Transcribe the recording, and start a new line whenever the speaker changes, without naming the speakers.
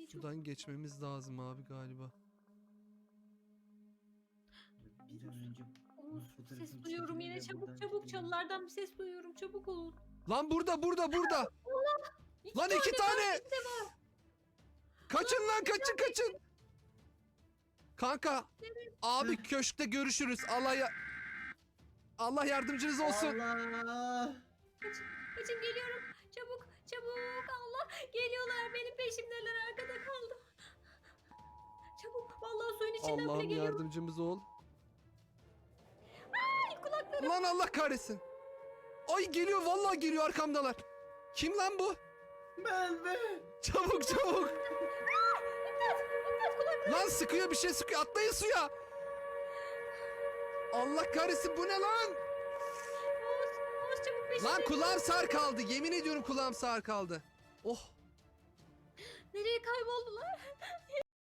Sudan geçmemiz lazım abi galiba.
Bir an önce
Oğuz,
fotoğrafını
ses duyuyorum
çekelim
yine,
ve
çabuk
buradan
çabuk,
gidelim.
çalılardan bir ses duyuyorum, çabuk olun.
Lan burada.
İki
Lan iki tane.
var, işte var.
Kaçın lan kaçın. Kanka.
Evet.
Abi köşkte görüşürüz. Allah yardımcınız olsun.
Allah!
Kaçın geliyorum, çabuk çabuk, Allah geliyorlar, benim peşimdeler, arkada kaldım. Çabuk, vallahi suyun içinden bile
Allah'ım
geliyorum.
yardımcımız ol.
Ay, kulaklarım.
Lan Allah kahretsin. Ay geliyor vallahi geliyor arkamdalar. Kim lan bu?
Ben.
Çabuk.
İmdat, kulaklarım.
Lan sıkıyor bir şey sıkıyor. Atlayın suya. Allah kahretsin bu ne lan?
Oğuz çabuk peşimde.
Lan kulağım sağır kaldı. Yemin ediyorum kulağım sağır kaldı. Oh.